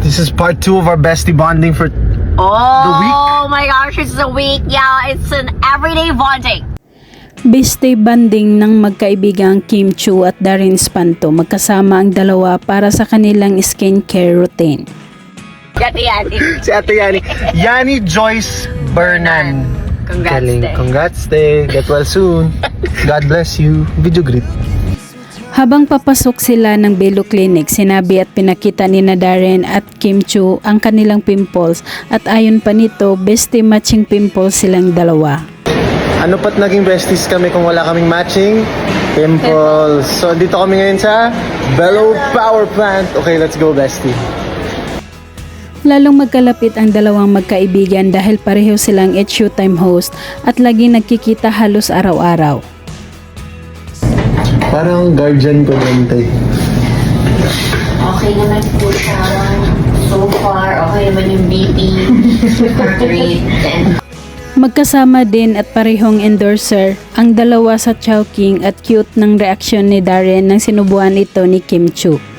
This is part 2 of our bestie bonding for the week. Oh my gosh, it's a week. Yeah, it's an everyday bonding. Bestie banding ng magkaibigang Kim Chu at Darren Espanto, magkasama ang dalawa para sa kanilang skincare routine. Yani. Si Ate Yani. Yani Joyce Bernan. Congrats, Galing. te. Congrats, te. Get well soon. God bless you. Video greet. Habang papasok sila ng Belo Clinic, sinabi at pinakita ni na Darren at Kim Chu ang kanilang pimples at ayon pa nito, bestie matching pimples silang dalawa. Ano pat naging besties kami kung wala kaming matching pimples. So, dito kami ngayon sa Bellow Power Plant. Okay, let's go, bestie. Lalong magkalapit ang dalawang magkaibigan dahil pareho silang It's Showtime host at lagi nagkikita halos araw-araw. Parang guardian ko din, te. Okay naman po siya. So far, okay naman yung BP, heart rate, and Magkasama din at parehong endorser ang dalawa sa Chowking at cute ng reaksyon ni Darren nang sinubuan ito ni Kim Chu.